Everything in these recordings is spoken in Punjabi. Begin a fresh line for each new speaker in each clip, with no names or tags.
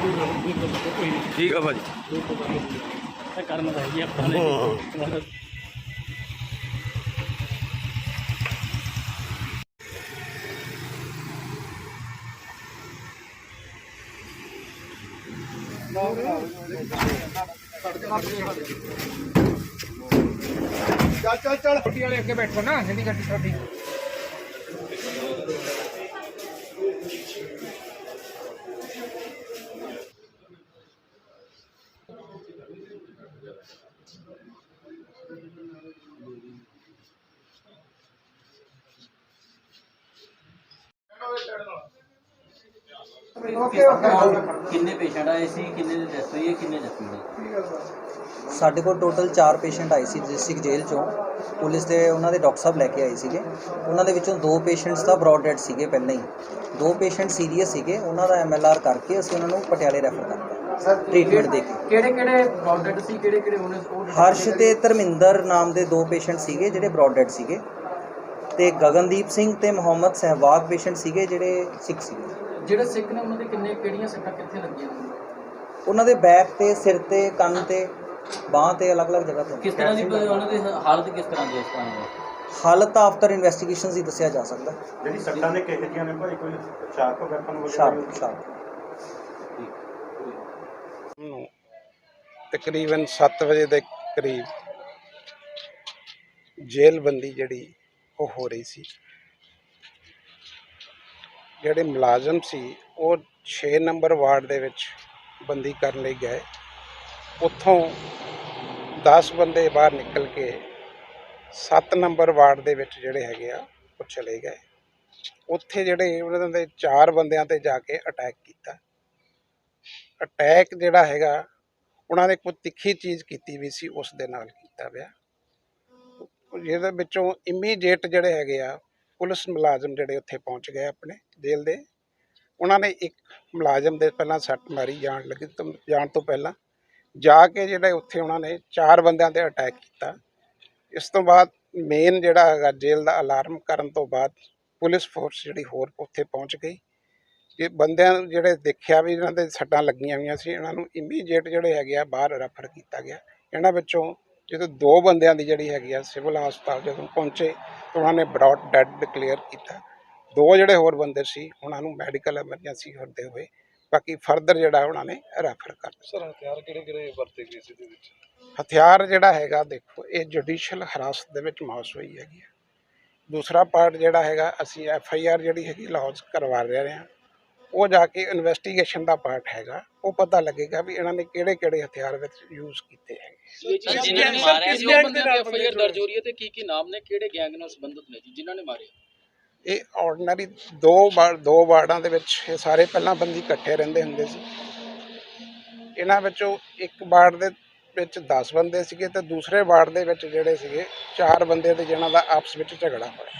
ਠੀਕ ਆ ਭਾਜੀ
ਕਰਮ ਦਾ ਜੀ ਆਪਾਂ ਨੇ
ਚੱਲ ਛੋਟੀ ਵਾਲੇ ਅੱਗੇ ਬੈਠੋ ਨਾ ਜਿਹੜੀ ਗੱਡੀ ਛੋਟੀ
ਕਿੰਨੇ ਪੇਸ਼ੈਂਟ ਆਏ ਸੀ, ਕਿੰਨੇ ਦੀ ਡੈਥ ਹੋਈ ਹੈ, ਕਿੰਨੇ ਜ਼ਖਮੀ ਨੇ?
ਸਾਡੇ ਕੋਲ ਟੋਟਲ 4 ਪੇਸ਼ੈਂਟ ਆਏ ਸੀ ਡਿਸਟ੍ਰਿਕਟ ਜੇਲ੍ਹ ਚੋਂ। ਪੁਲਿਸ ਦੇ ਉਹਨਾਂ ਦੇ ਡਾਕਟਰ ਸਾਹਿਬ ਲੈ ਕੇ ਆਏ ਸੀਗੇ। ਉਹਨਾਂ ਦੇ ਵਿੱਚੋਂ 2 ਪੇਸ਼ੈਂਟਸ ਤਾਂ ਬ੍ਰੌਡ ਡੈਡ ਸੀਗੇ ਪਹਿਲਾਂ ਹੀ। 2 ਪੇਸ਼ੈਂਟ ਸੀਰੀਅਸ ਸੀਗੇ, ਉਹਨਾਂ ਦਾ MLR ਕਰਕੇ ਅਸੀਂ ਉਹਨਾਂ ਨੂੰ ਪਟਿਆਲੇ ਰੈਫਰ ਕਰਤਾ ਸਰ ਟ੍ਰੀਟਮੈਂਟ ਦੇ ਕੇ।
ਕਿਹੜੇ ਬ੍ਰੌਡ ਡੈਡ ਸੀ, ਕਿਹੜੇ ਉਹਨੇ?
ਹਰਸ਼ ਤੇ ਧਰਮਿੰਦਰ ਨਾਮ ਦੇ 2 ਪੇਸ਼ੈਂਟ ਸੀਗੇ ਜਿਹੜੇ ਬ੍ਰੌਡ ਡੈਡ ਸੀਗੇ, ਤੇ ਗਗਨਦੀਪ ਸਿੰਘ ਤੇ ਮੁਹੰਮਦ ਸਹਿਵਾਗ ਪੇਸ਼ੈਂਟ ਸੀਗੇ ਜਿਹੜੇ ਸਿੱਖ ਸੀਗੇ।
ਜਿਹੜੇ ਸਿੱਖ ਨੇ ਉਹਨਾਂ ਦੇ ਕਿਹੜੀਆਂ ਸੱਟਾਂ ਕਿੱਥੇ ਲੱਗੀਆਂ?
ਉਹਨਾਂ ਦੇ ਬੈਕ ਤੇ, ਸਿਰ ਤੇ, ਕੰਨ ਤੇ, ਬਾਂਹ ਤੇ ਅਲੱਗ-ਅਲੱਗ ਜਗ੍ਹਾ ਤੇ।
ਕਿਸ ਤਰ੍ਹਾਂ ਦੀ ਉਹਨਾਂ ਦੀ ਹਾਲਤ ਕਿਸ ਤਰ੍ਹਾਂ ਦੀ ਇਸ ਤਰ੍ਹਾਂ ਦੀ?
ਹਾਲਤ ਤਾਂ ਆਫਟਰ ਇਨਵੈਸਟੀਗੇਸ਼ਨਸ ਹੀ ਦੱਸਿਆ ਜਾ ਸਕਦਾ।
ਜਿਹੜੀ ਸੱਟਾਂ ਨੇ ਕਿਹੋ ਜਿਹੀਆਂ ਨੇ ਭਾਈ, ਕੋਈ ਸ਼ਾਰਪ ਵੈਪਨ ਵਗੈਰਾ?
ਸ਼ਾਰਪ
ਤਕਰੀਬਨ 7 ਵਜੇ ਦੇ ਕਰੀਬ ਜੇਲ੍ਹਬੰਦੀ ਜਿਹੜੀ ਉਹ ਹੋ ਰਹੀ ਸੀ। ਜਿਹੜੇ ਮੁਲਾਜ਼ਮ ਸੀ ਉਹ 6 ਨੰਬਰ ਵਾਰਡ ਦੇ ਵਿੱਚ ਬੰਦੀ ਕਰਨ ਲਈ ਗਏ। ਉੱਥੋਂ 10 ਬੰਦੇ ਬਾਹਰ ਨਿਕਲ ਕੇ 7 ਨੰਬਰ ਵਾਰਡ ਦੇ ਵਿੱਚ ਜਿਹੜੇ ਹੈਗੇ ਆ ਉਹ ਚਲੇ ਗਏ। ਉੱਥੇ ਜਿਹੜੇ ਉਹਨਾਂ ਦੇ 4 ਬੰਦਿਆਂ ਤੇ ਜਾ ਕੇ ਅਟੈਕ ਕੀਤਾ। ਅਟੈਕ ਜਿਹੜਾ ਹੈਗਾ ਉਹਨਾਂ ਨੇ ਕੋਈ ਤਿੱਖੀ ਚੀਜ਼ ਕੀਤੀ ਵੀ ਸੀ, ਉਸ ਦੇ ਨਾਲ ਕੀਤਾ ਪਿਆ। ਜਿਹਦੇ ਵਿੱਚੋਂ ਇਮੀਡੀਏਟ ਜਿਹੜੇ ਹੈਗੇ ਆ ਪੁਲਿਸ ਮੁਲਾਜ਼ਮ ਜਿਹੜੇ ਉੱਥੇ ਪਹੁੰਚ ਗਏ ਆਪਣੇ ਜੇਲ੍ਹ ਦੇ। ਉਹਨਾਂ ਨੇ ਇੱਕ ਮੁਲਾਜ਼ਮ ਦੇ ਪਹਿਲਾਂ ਸੱਟ ਮਾਰੀ ਜਾਣ ਤੋਂ ਪਹਿਲਾਂ, ਜਾ ਕੇ ਜਿਹੜੇ ਉੱਥੇ ਉਹਨਾਂ ਨੇ 4 ਬੰਦਿਆਂ 'ਤੇ ਅਟੈਕ ਕੀਤਾ। ਇਸ ਤੋਂ ਬਾਅਦ ਮੇਨ ਜਿਹੜਾ ਹੈਗਾ ਜੇਲ੍ਹ ਦਾ ਅਲਾਰਮ ਕਰਨ ਤੋਂ ਬਾਅਦ ਪੁਲਿਸ ਫੋਰਸ ਜਿਹੜੀ ਹੋਰ ਉੱਥੇ ਪਹੁੰਚ ਗਈ। ਇਹ ਬੰਦਿਆਂ ਨੂੰ ਜਿਹੜੇ ਦੇਖਿਆ ਵੀ ਇਹਨਾਂ ਦੇ ਸੱਟਾਂ ਲੱਗੀਆਂ ਹੋਈਆਂ ਸੀ, ਇਹਨਾਂ ਨੂੰ ਇਮੀਡੀਏਟ ਜਿਹੜੇ ਹੈਗੇ ਆ ਬਾਹਰ ਰੈਫਰ ਕੀਤਾ ਗਿਆ। ਇਹਨਾਂ ਵਿੱਚੋਂ ਜਦੋਂ 2 ਬੰਦਿਆਂ ਦੀ ਜਿਹੜੀ ਹੈਗੀ ਆ ਸਿਵਲ ਹਸਪਤਾਲ ਜਦੋਂ ਪਹੁੰਚੇ ਤਾਂ ਉਹਨਾਂ ਨੇ ਬ੍ਰੌਡ ਡੈਡ ਡਿਕਲੇਅਰ ਕੀਤਾ। 2 ਜਿਹੜੇ ਹੋਰ ਬੰਦੇ ਸੀ ਉਹਨਾਂ ਨੂੰ ਮੈਡੀਕਲ ਐਮਰਜੈਂਸੀ ਕਰਦੇ ਹੋਏ ਬਾਕੀ ਫਰਦਰ ਜਿਹੜਾ ਉਹਨਾਂ ਨੇ ਰੈਫਰ ਕਰ ਦਿੱਤਾ।
ਸਰ ਹਥਿਆਰ ਕਿਹੜੇ ਵਰਤੇ ਗਏ ਸੀ ਇਹਦੇ ਵਿੱਚ?
ਹਥਿਆਰ ਜਿਹੜਾ ਹੈਗਾ ਦੇਖੋ, ਇਹ ਜੁਡੀਸ਼ੀਅਲ ਹਿਰਾਸਤ ਦੇ ਵਿੱਚ ਮੌਸ ਹੋਈ ਹੈਗੀ ਆ। ਦੂਸਰਾ ਪਾਰਟ ਜਿਹੜਾ ਹੈਗਾ ਅਸੀਂ FIR ਜਿਹੜੀ ਹੈਗੀ ਲੌਂਚ ਕਰਵਾ ਰਹੇ ਹਾਂ। ਉਹ ਜਾ ਕੇ ਇਨਵੈਸਟੀਗੇਸ਼ਨ ਦਾ ਪਾਰਟ ਹੈਗਾ, ਉਹ ਪਤਾ ਲੱਗੇਗਾ ਵੀ ਇਹਨਾਂ ਨੇ ਕਿਹੜੇ ਹਥਿਆਰ ਵਿੱਚ ਯੂਜ਼ ਕੀਤੇ ਹੈਗੇ।
ਜਿਨ੍ਹਾਂ ਨੇ ਮਾਰਿਆ ਸੀ ਉਹ ਬੰਦਿਆਂ ਤੇ FIR ਦਰਜ ਹੋ ਰਹੀ ਹੈ ਤੇ ਕੀ ਨਾਮ ਨੇ, ਕਿਹੜੇ ਗੈਂਗ ਨਾਲ ਸੰਬੰਧਿਤ ਨੇ ਜੀ ਜਿਨ੍ਹਾਂ ਨੇ ਮਾਰੇ?
ਇਹ ਆਰਡੀਨਰੀ 2 ਵਾਰਡਾਂ ਦੇ ਵਿੱਚ ਇਹ ਸਾਰੇ ਪਹਿਲਾਂ ਬੰਦੀ ਇਕੱਠੇ ਰਹਿੰਦੇ ਹੁੰਦੇ ਸੀ। ਇਹਨਾਂ ਵਿੱਚੋਂ ਇੱਕ ਵਾਰਡ ਦੇ ਵਿੱਚ 10 ਬੰਦੇ ਸੀਗੇ ਤੇ ਦੂਸਰੇ ਵਾਰਡ ਦੇ ਵਿੱਚ ਜਿਹੜੇ ਸੀਗੇ 4 ਬੰਦੇ ਤੇ ਜਿਨ੍ਹਾਂ ਦਾ ਆਪਸ ਵਿੱਚ ਝਗੜਾ ਹੋਇਆ।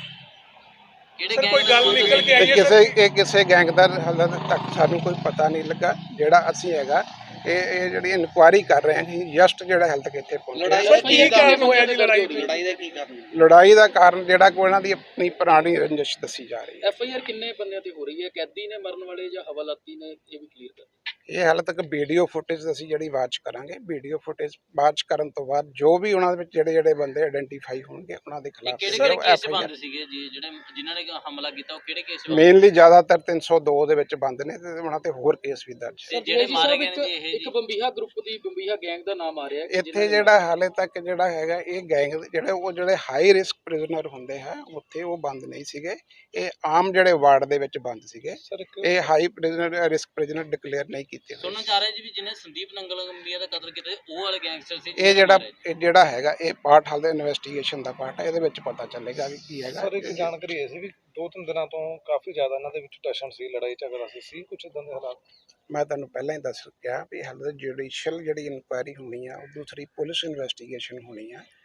ਕੋਈ ਗੱਲ ਨਿਕਲ ਕੇ ਆਈ ਹੈ?
ਕਿਸੇ ਗੈਂਗ ਦਾ ਹਾਲੇ ਤੱਕ ਸਾਨੂੰ ਕੋਈ ਪਤਾ ਨਹੀਂ ਲੱਗਾ। ਜਿਹੜਾ ਅਸੀਂ ਹੈਗਾ ਇਹ ਜਿਹੜੀ ਇਨਕੁਆਇਰੀ ਕਰ ਰਹੇ ਹਾਂ ਕਿ ਜਸਟ ਜਿਹੜਾ ਹੈਲਥ ਕਿੱਥੇ ਪਹੁੰਚਿਆ।
ਕੀ ਕਾਰਨ ਹੋਇਆ ਜੀ ਲੜਾਈ ਦਾ? ਕੀ ਕਾਰਨ?
ਲੜਾਈ ਦਾ ਕਾਰਨ ਜਿਹੜਾ ਕੋਈ ਇਹਨਾਂ ਦੀ ਆਪਣੀ ਪੁਰਾਣੀ ਰੰਜਿਸ਼ ਦੱਸੀ ਜਾ ਰਹੀ ਹੈ।
FIR ਕਿੰਨੇ ਬੰਦਿਆਂ ਤੇ ਹੋ ਰਹੀ ਹੈ? ਕੈਦੀ ਨੇ ਮਰਨ ਵਾਲੇ ਜਾਂ ਹਵਾਲਾਤੀ ਨੇ, ਇਹ ਵੀ ਕਲੀਅਰ ਕਰ।
ਇਹ ਹਾਲੇ ਤੱਕ ਵੀਡੀਓ ਫੁਟੇਜ ਅਸੀਂ ਜਿਹੜੀ ਵਾਚ ਕਰਾਂਗੇ। ਵੀਡੀਓ ਫੁਟੇਜ ਵਾਚ ਕਰਨ ਤੋਂ ਬਾਅਦ ਜੋ ਵੀ ਉਹਨਾਂ ਦੇ ਵਿੱਚ ਜਿਹੜੇ ਬੰਦੇ ਆਇਡੈਂਟੀਫਾਈ ਹੋਣਗੇ ਉਹਨਾਂ ਦੇ ਖਿਲਾਫ
ਕਿਹੜੇ ਕੇਸ ਬੰਦ ਸੀਗੇ ਜੀ ਜਿਨ੍ਹਾਂ ਨੇ ਹਮਲਾ ਕੀਤਾ? ਉਹ ਕਿਹੜੇ ਕੇਸ?
ਮੇਨਲੀ ਜ਼ਿਆਦਾਤਰ 302 ਦੇ ਵਿੱਚ ਬੰਦ ਨੇ ਤੇ ਉਹਨਾਂ ਤੇ ਹੋਰ ਕੇਸ ਵੀ ਦਰਜ
ਹੈ। ਜਿਹੜੇ ਮਾਰੇ ਗਏ ਨੇ ਇਹ ਇੱਕ ਬੰਬੀਹਾ ਗਰੁੱਪ ਦੀ ਬੰਬੀਹਾ ਗੈਂਗ ਦਾ ਨਾਮ ਆ ਰਿਹਾ
ਇੱਥੇ ਜਿਹੜਾ ਹਾਲੇ ਤੱਕ ਜਿਹੜਾ ਹੈਗਾ ਇਹ ਗੈਂਗ ਜਿਹੜੇ ਹਾਈ ਰਿਸਕ ਪ੍ਰਿਜ਼ਨਰ ਹੁੰਦੇ ਹੈ ਉੱਥੇ ਉਹ ਬੰਦ ਨਹੀਂ ਸੀਗੇ। ਇਹ ਆਮ ਜਿਹੜੇ ਵਾਰਡ ਦੇ ਵਿੱਚ ਬੰਦ ਸੀਗੇ। ਇਹ ਹਾਈ ਰਿਸਕ ਪ੍ਰਿਜ਼ਨਰ ਡਿਕਲੇਅਰ ਨਹੀਂ ਕੀਤੇ।
ਸੁਣਨਾ ਚਾਹ ਰਹੇ ਜੀ ਵੀ ਜਿਹਨੇ ਸੰਦੀਪ ਨੰਗਲੰਬੀਆ ਦਾ ਕਤਲ ਕੀਤਾ ਉਹ ਵਾਲੇ ਗੈਂਗਸਟਰ ਸੀ।
ਇਹ ਜਿਹੜਾ ਹੈਗਾ ਇਹ ਪਾਰਟ ਹਾਲੇ ਇਨਵੈਸਟੀਗੇਸ਼ਨ ਦਾ ਪਾਰਟ ਹੈ। ਇਹਦੇ ਵਿੱਚ ਪਤਾ ਚੱਲੇਗਾ ਵੀ ਕੀ ਹੈਗਾ।
ਸਰ ਇੱਕ ਜਾਣਕਾਰੀ ਇਹ ਸੀ ਵੀ 2-3 ਦਿਨਾਂ ਤੋਂ ਕਾਫੀ ਜ਼ਿਆਦਾ ਇਹਨਾਂ ਦੇ ਵਿੱਚ ਟੈਸ਼ਨ ਸੀ, ਲੜਾਈ ਝਗੜਾ ਸੀ ਕੁਝ ਇਦਾਂ ਦੇ ਹਾਲਾਤ?
ਮੈਂ ਤੁਹਾਨੂੰ ਪਹਿਲਾਂ ਹੀ ਦੱਸ ਗਿਆ ਵੀ ਹਾਲੇ ਜੁਡੀਸ਼ੀਅਲ ਜਿਹੜੀ ਇਨਕੁਆਇਰੀ ਹੋਣੀ ਆ, ਉਹ ਦੂਸਰੀ ਪੁਲਿਸ ਇਨਵੈਸਟੀਗੇਸ਼ਨ ਹੋਣੀ ਆ।